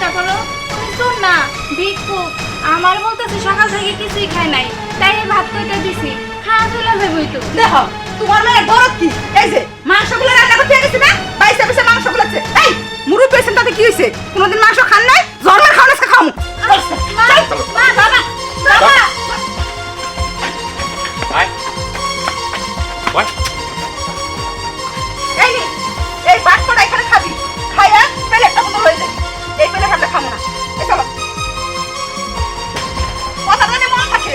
চেষ্টা করো। তুমি শোন না, ভিক্ষুক আমার বলতেছে সকাল থেকে কিছুই খায় নাই, তাই এই ভাত কইটা দিছি, খাওয়া চলে যাবই তো। দেখো তোমার মেয়ের দরদ কি, এই যে মাংসগুলো রান্না করতে গেছি না, বাইসে বাইসে মাংসগুলো আছে। এই মুরব্বি হয়েছেন তাতে কি হয়েছে? কোনোদিন মাংস খান নাই? জন্মের খাওয়া আজকে খাও। মা, মা, বাবা, বাবা। এই নে, এই বাটপাটা এখানে খাবি, খাইয়া প্লেটটা বন্ধ হয়ে যাবে। এই প্লেট আমরা খাবো না। এই চলো, কথা জানে মন থাকে।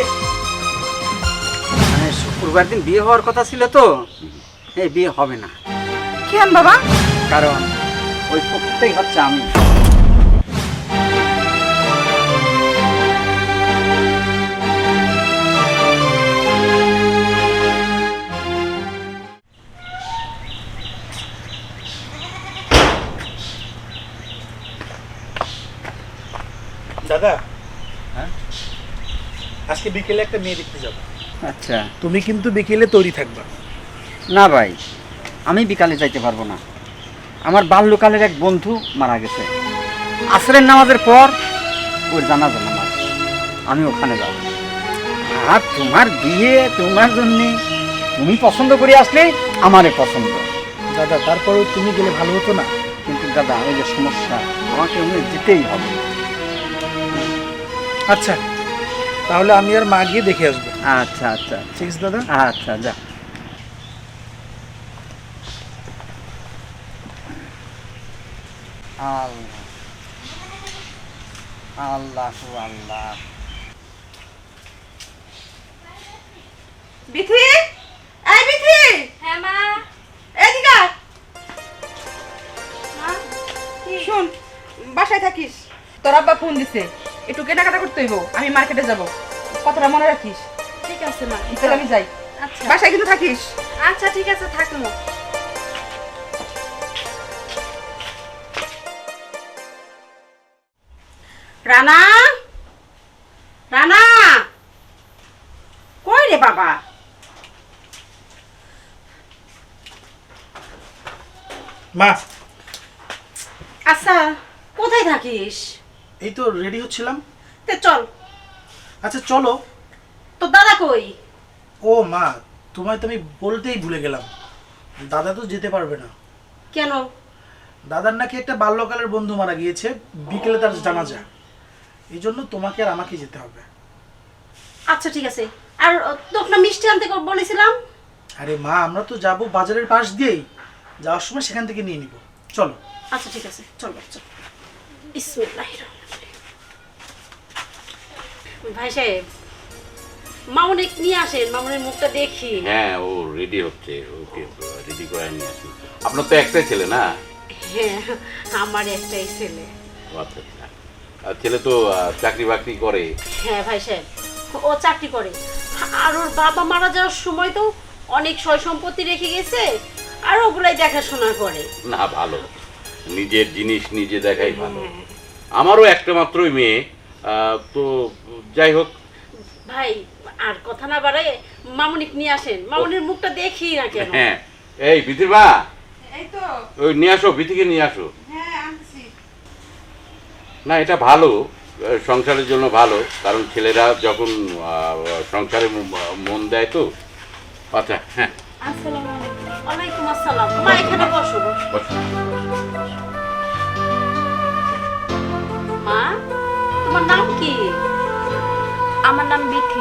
মানে শুক্রবার দিন বিয়ে হওয়ার কথা ছিল তো, এই বিয়ে হবে না। কেন বাবা? কারণ ওই প্রকৃতই হচ্ছে আমি। দাদা, হ্যাঁ? আজকে বিকেলে একটা মেয়ে দেখতে যাব। আচ্ছা। তুমি কিন্তু বিকেলে তৈরি থাকবা। না ভাই, আমি বিকালে যাইতে পারবো না। আমার বাল্যকালের এক বন্ধু মারা গেছে। আসরের নামাজের পর ওর জানাজা নামাজ, আমি ওখানে যাব। আর তোমার বিয়ে তোমার জন্য, তুমি পছন্দ করে আসলে আমারে পছন্দ। দাদা, তারপরেও তুমি গেলে ভালো হতো না? কিন্তু দাদা, ওই যে সমস্যা, আমাকে ওখানে যেতেই হবে। আচ্ছা, তাহলে আমি আর মা গিয়ে দেখে আসবো। আচ্ছা আচ্ছা ঠিক আছে দাদা। আচ্ছা, যা। আল্লাহ আল্লাহ আল্লাহ। বিথি, এই বিথি, হ্যাঁ মা। এদিকে আয়। মা, কি? শোন, বাসায় থাকিস, তোর আব্বা ফোন দিছে, একটু কেনাকাটা করতে হইব, আমি মার্কেটে যাব, কথাটা মনে রাখিস। ঠিক আছে মা, তাহলে আমি যাই। আচ্ছা বাসায় কিন্তু থাকিস। আচ্ছা, ঠিক আছে, থাকবো। রানা, রানা, কই রে বাবা? মা, আচ্ছা, কোথায় থাকিস? এই তো রেডি হচ্ছিলাম। তে চল। আচ্ছা চলো। তোর দাদা কই? ও মা, তোমায় তো আমি বলতেই ভুলে গেলাম, দাদা তো যেতে পারবে না। কেন? দাদার নাকি একটা বাল্যকালের বন্ধু মারা গিয়েছে, বিকেলে তার জানাজা, এই জন্য তোমাকে আর আমাকে যেতে হবে। আচ্ছা ঠিক আছে। আর তোকে না মিষ্টি আনতে বলেছিলাম। আরে মা, আমরা তো যাব বাজারের পাশ দিয়েই, যাওয়ার সময় সেখান থেকে নিয়ে নিব। চলো। আচ্ছা ঠিক আছে, চল চল। বিসমিল্লাহির রহমানির রহিম। ভাই সাহেব, মামুনিক নিয়ে আসেন, মামুনির মুখটা দেখি। হ্যাঁ, ও রেডি হচ্ছে, ওকে রেডি করে নিয়ে আসুন। আপনার তো একটাই ছেলে না? হ্যাঁ, আমার একটাই ছেলে। ও আচ্ছা আচ্ছা। আর ছেলে তো চাকরি বাকরি করে। হ্যাঁ ভাই সাহেব, ও চাকরি করে। আর ওর বাবা মারা যাওয়ার সময় তো অনেক সয় সম্পত্তি রেখে গেছে, আর ওগুলাই দেখাশোনা করে। না, ভালো, নিজের জিনিস নিজে দেখাই ভালো। আমারও একটা মাত্রই মেয়ে, তো যাই হোক। ভাই, আর কথা না বাড়ায় মামুনিক নিয়ে আসেন, মামুনির মুখটা দেখি না কেন। হ্যাঁ, এই বিথির মা, এই তো। ওই নিয়ে আসো, বিথিকে নিয়ে আসো। হ্যাঁ আনছি। না, এটা ভালো, সংসারের জন্য ভালো, কারণ ছেলেরা যখন সংসারে মন দেয় তো। আচ্ছা, হ্যাঁ, আসসালামু আলাইকুম। ওয়ালাইকুম আসসালাম। মা এখানে বসো, বসো। বসো। মা, তোমার নাম কি? আমার নাম বিথি।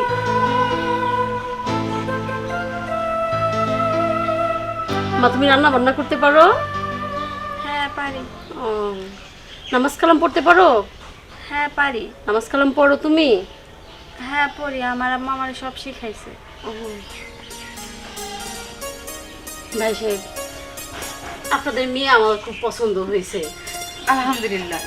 মা, তুমি রান্না বান্না করতে পারো? হ্যাঁ পারি। ও, নামাজ কালাম পড়তে পারো? হ্যাঁ পারি। নামাজ কালাম পড়ো তুমি? হ্যাঁ পড়ি, আমার আম্মা আমার সব শিখাইছে। ও। ভাই সাহেব, আপনাদের মেয়ে আমার খুব পছন্দ হয়েছে। আলহামদুলিল্লাহ।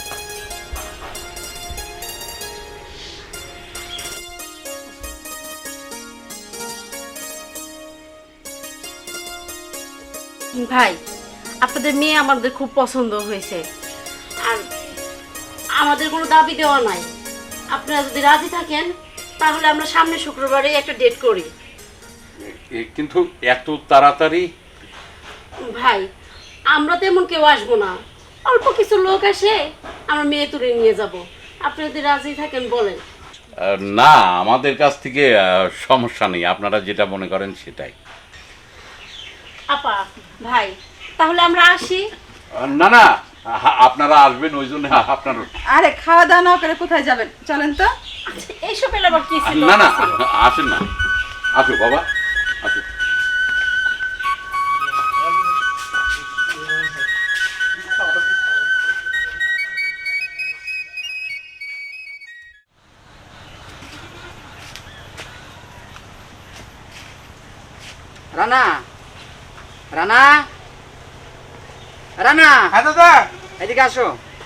ভাই, আপনাদের মেয়ে আমাদের খুব পছন্দ হয়েছে, আর আমাদের কোনো দাবি দেওয়া নাই। আপনারা যদি রাজি থাকেন তাহলে আমরা সামনে শুক্রবারে একটা ডেট করি। কিন্তু এত তাড়াতাড়ি? ভাই, আমরা তেমন কেউ আসবো না, অল্প কিছু লোক আসে, আমার মেয়ে তুলে নিয়ে যাব। আপনি যদি রাজি থাকেন বলেন। না, আমাদের কাছ থেকে সমস্যা নেই, আপনারা যেটা মনে করেন সেটাই। আপা ভাই তাহলে আমরা আসি। না না, আপনারা আসবেন ওই জন্য আপনার। আরে খাওয়া দাওয়া না করে কোথায় যাবেন, চলেন তো। আচ্ছা, এইসব এলে আবার কি ছিল? না না, আসেন না, আসো বাবা, আসো। রানা, রানা, রানা, হ্যাঁ দাদা। এদিকে আসো।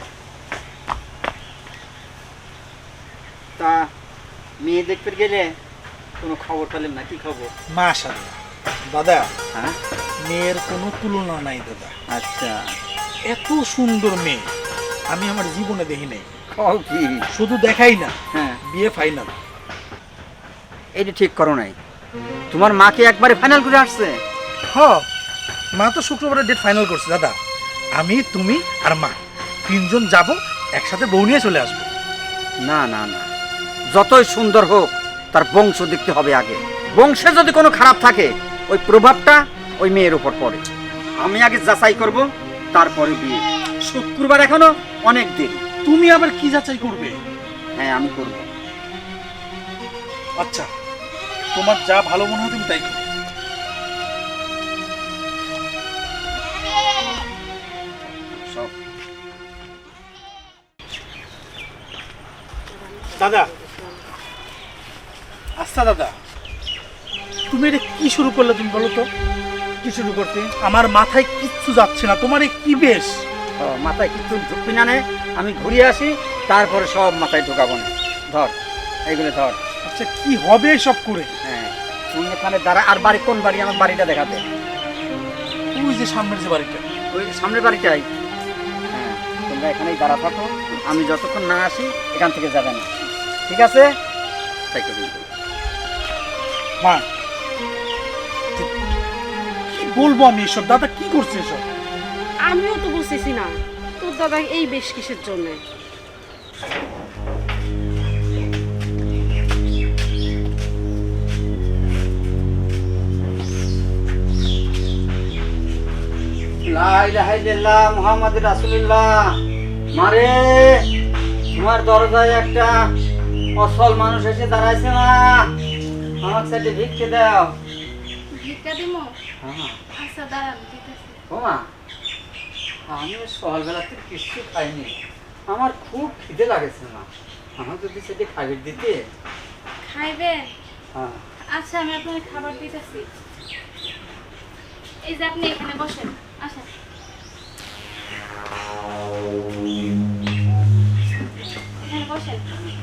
তা মেয়ে দেখতে গেলে কোনো খবর পেলেন না? কি খবর? মাশাআল্লাহ দাদা, হ্যাঁ, মেয়ের কোনো তুলনা নাই দাদা। আচ্ছা, এত সুন্দর মেয়ে আমি আমার জীবনে দেখি নাই। কও কি? শুধু দেখাই না, হ্যাঁ, বিয়ে ফাইনাল। এইটা ঠিক করো নাই। তোমার মাকে একবারে ফাইনাল করে আসছে? হ, মা তো শুক্রবারে ডেট ফাইনাল করছে দাদা। আমি, তুমি আর মা তিনজন যাব, একসাথে বউ নিয়ে চলে আসবো। না না না, যতই সুন্দর হোক তার বংশ দেখতে হবে আগে। বংশে যদি কোনো খারাপ থাকে ওই প্রভাবটা ওই মেয়ের উপর পড়ে। আমি আগে যাচাই করব, তারপরে বিয়ে। শুক্রবার এখনো অনেক দেরি। তুমি আবার কি যাচাই করবে? হ্যাঁ, আমি করব। আচ্ছা, তোমার যা ভালো মনে হয় তুমি তাই করো। সব দাদা, আচ্ছা দাদা, তুমি এটা কি শুরু করলে তুমি বলো তো? কি শুরু করতে? আমার মাথায় কিচ্ছু যাচ্ছে না। তোমার এই কি বেশ? মাথায় কিছু ঢুকবি না নে, আমি ঘুরিয়ে আসি, তারপরে সব মাথায় ঢোকাবো না। ধর, এইগুলো ধর। আচ্ছা, কি হবে সব করে? হ্যাঁ, তুমি এখানে দাঁড়া। আর বাড়ি কোন বাড়ি? আমার বাড়িটা দেখাতে। ওই যে সামনের যে বাড়িটা। ওই সামনের বাড়িটাই। হ্যাঁ, তোমরা এখানেই দাঁড়া থাকো, আমি যতক্ষণ না আসি এখান থেকে যাবে না, ঠিক আছে? তাই তো কিন্তু মা, কি বলবো আমি এসব? দাদা কি করছে এসব? আমিও তো বুঝতেছি না তোর দাদা এই বেশ কিসের জন্য। লা ইলাহা ইল্লাল্লাহ মুহাম্মাদুর রাসূলুল্লাহ। মারে, তোমার দরজায় একটা অসল মানুষ এসে দাঁড়াইছে। না, আমার সাথে ভিক্ষে দাও। ভিক্ষা দিমো? হ্যাঁ। আচ্ছা দাঁড়ান, দিতেছি। ও মা, আমি সকালবেলাতে কিছু খাইনি, আমার খুব খিদে লাগেছে। না, আমার যদি সেটি খাবার দিতে। খাইবেন? হ্যাঁ, আচ্ছা, আমি আপনাকে খাবার দিতেছি। এই যে আপনি এখানে বসেন, আসেন। এখানে বসেন।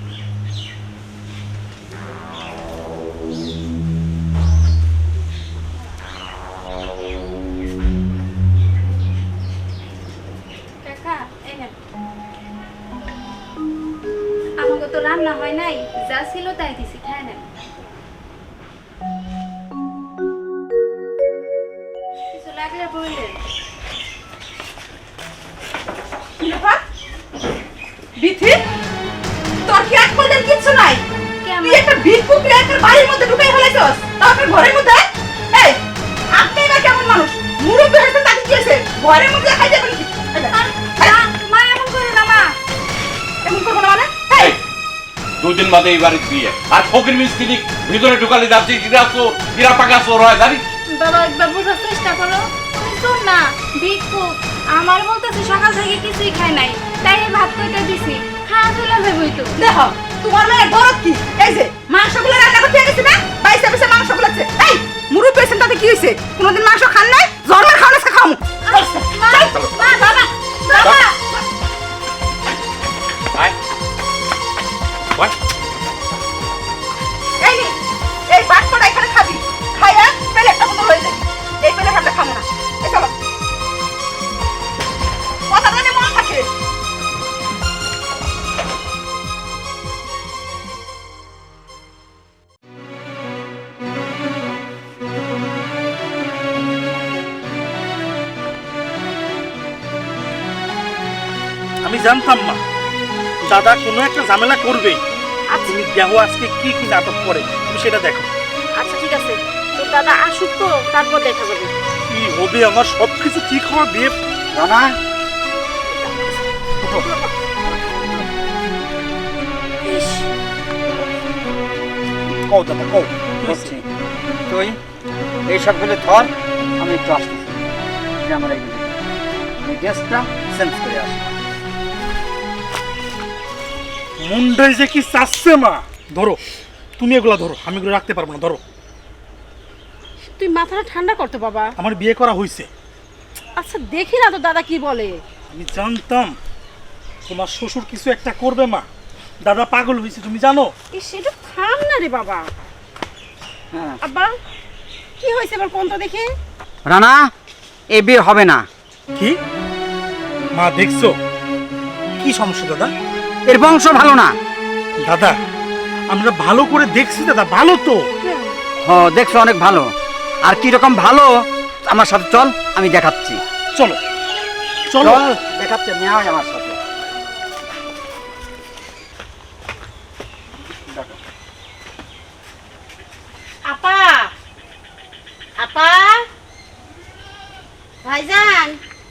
কাকা, এই নেন। আমাকে তো রান্না হয় নাই, যা ছিল তাই দিছি, খায় নেন। কিছু লাগলে বললেন। বিথি, তোর কি এক পদের কিচ্ছু নাই? কেমন? তুই একটা ভিক্ষুক রে একটা বাড়ির মধ্যে ঢুকাই ফেলাইছস, তাও তোর ঘরের মধ্যে? এই, আপনি না কেমন মানুষ? মুরব্বি হয়েছে তাকে কি হয়েছে? ঘরের মধ্যে খাই যাবেন কি? মা এমন করে না, মা। এমন করবো না মানে? এই, 2 দিন বাদে এই বাড়ির বিয়ে, আর ফকির মিস্ত্রি ভিতরে ঢুকালে যাচ্ছে কিরা পাকা চোর হয় জানিস? বাবা, একবার বোঝার চেষ্টা করো। তুমি শোন না, ভিক্ষুক আমার বলতেছে সকাল থেকে কিছুই খায় নাই, তাই এই ভাত কইতে দিছি। খাওয়া চলে যাবই তো। দেখো, তোমার মেয়ের দরদ কি? এই যে মাংসগুলো রান্না করতে গেছি না, বাইসে বাইসে মাংস গুলাচ্ছে। এই, মুরব্বি হয়েছেন তাতে কি হয়েছে? কোনোদিন মাংস খান নাই? জন্মের খাওয়া না খাওয়ামু। মা, মা, বাবা, বাবা। আয়, বল। এই নে, এই ভাত কটা এখানে খাবি, খাইয়া প্লেটটা বন্ধ হয়ে যাবে। এই প্লেট আমরা খাবো না। এই চলো, কথা জানে মন থাকে। আমি জানতাম মা দাদা কোনো একটা ঝামেলা করবেই। আর তুমি দেখো আজকে কি কি নাটক করে, তুমি সেটা দেখো। আচ্ছা ঠিক আছে, তো দাদা আসুক, তো তারপর দেখা যাবে। কি হবে আমার সবকিছু ঠিক হওয়া বিয়ে। রানা ইস, কও দাদা কও। বুঝছি, তুই এইসবগুলো ধর, আমি একটু আসতেছি। যে আমার এই গ্যাসটা চেঞ্জ করে আসি। মুন্ডাই যে কি চাচ্ছে মা। ধরো তুমি এগুলা ধরো, আমি এগুলো রাখতে পারবো না। ধরো, তুই মাথাটা ঠান্ডা করতে বাবা। আমার বিয়ে করা হয়েছে। আচ্ছা দেখি না তো দাদা কি বলে। আমি জানতাম তোমার শ্বশুর কিছু একটা করবে মা। দাদা পাগল হয়েছে তুমি জানো। এই সেটা থাম না রে বাবা। হ্যাঁ আব্বা কি হয়েছে এবার কোনটা দেখে? রানা, এ বিয়ে হবে না। কি মা দেখছো কি সমস্যা দাদা? এর বংশ ভালো না। দাদা আমরা ভালো করে দেখছি দাদা, ভালো তো। হ, দেখছো অনেক ভালো। আর কি রকম ভালো আমার সাথে চল, আমি দেখাচ্ছি। চলো চলো। চল দেখাচ্ছি, নিয়ে আয় আমার সাথে। আপা, আপা, ভাইজান।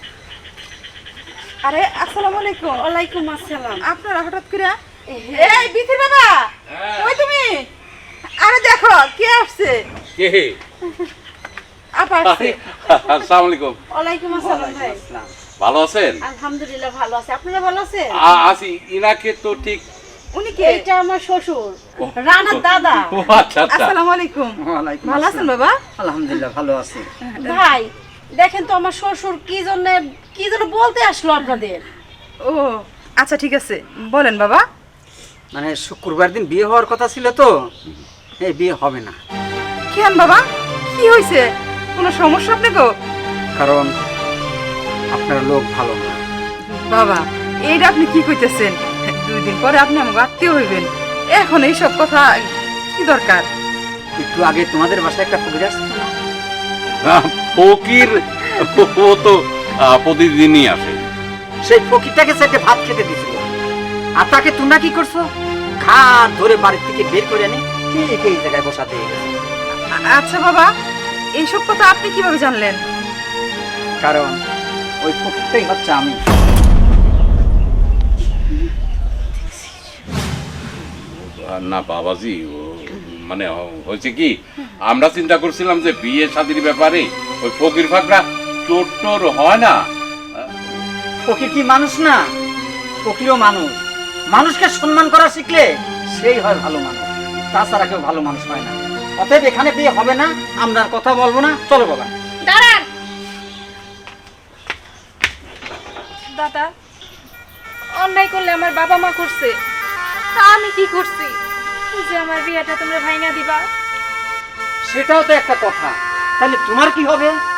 আরে আসসালামু আলাইকুম। ওয়ালাইকুম আসসালাম। আপনারা হঠাৎ করে এই বিথির বাবা, ওই তুমি? আরে দেখো কে আসছে। কে? আপা আসছে। আসসালামু আলাইকুম। ওয়ালাইকুম আসসালাম ভাই। ভালো আছেন? আলহামদুলিল্লাহ ভালো আছে, আপনারা ভালো আছেন? আছি। ইনাকে তো ঠিক। উনি কে? এইটা আমার শ্বশুর, রানার দাদা। ও আচ্ছা আচ্ছা। আসসালামু আলাইকুম। ওয়ালাইকুম ভালো আছেন আসসালাম। বাবা? আলহামদুলিল্লাহ ভালো আছি। ভাই দেখেন তো আমার শ্বশুর কি জন্য বলতে আসলো আপনাদের। ও আচ্ছা ঠিক আছে, বলেন বাবা। মানে শুক্রবার দিন বিয়ে হওয়ার কথা ছিল তো, এই বিয়ে হবে না। কেন বাবা, কি হয়েছে? কোনো সমস্যা আপনাকে? কারণ আপনার লোক ভালো না। বাবা এইটা আপনি কি কইতেছেন? 2 দিন পরে আপনি আমাকে আত্মীয় হইবেন, এখন এইসব কথা কি দরকার? একটু আগে তোমাদের বাসায় একটা ফকির আসছে না? ফকির ও তো প্রতিদিনই আসে। সেই ফকিরটাকে সেটে ভাত খেতে দিছিল, আর তাকে তোমরা কি করছো? ঘাট ধরে বাড়ির থেকে বের করে এনে ঠিক এই জায়গায় বসাতে গেছে। আচ্ছা বাবা, এইসব কথা আপনি কিভাবে জানলেন? কারণ ওই ফকিরটাই হচ্ছে আমি। না বাবাজি, মানে হয়েছে কি, আমরা চিন্তা করছিলাম যে বিয়ে শাদীর ব্যাপারে ওই ফকির ফাকরা চোর টোর হয় না। ফকির কি মানুষ না? ফকিরও মানুষ। মানুষকে সম্মান করা শিখলে সেই হয় ভালো মানুষ, তাছাড়া কেউ ভালো মানুষ হয় না। অতএব এখানে বিয়ে হবে না, আমরা আর কথা বলবো না। চলো বাবা। দাঁড়ান দাদা, অন্যায় করলে আমার বাবা মা করছে, তা আমি কি করছি যে আমার বিয়েটা তোমরা ভাঙা দিবা? সেটাও তো একটা কথা। তাহলে তোমার কি হবে?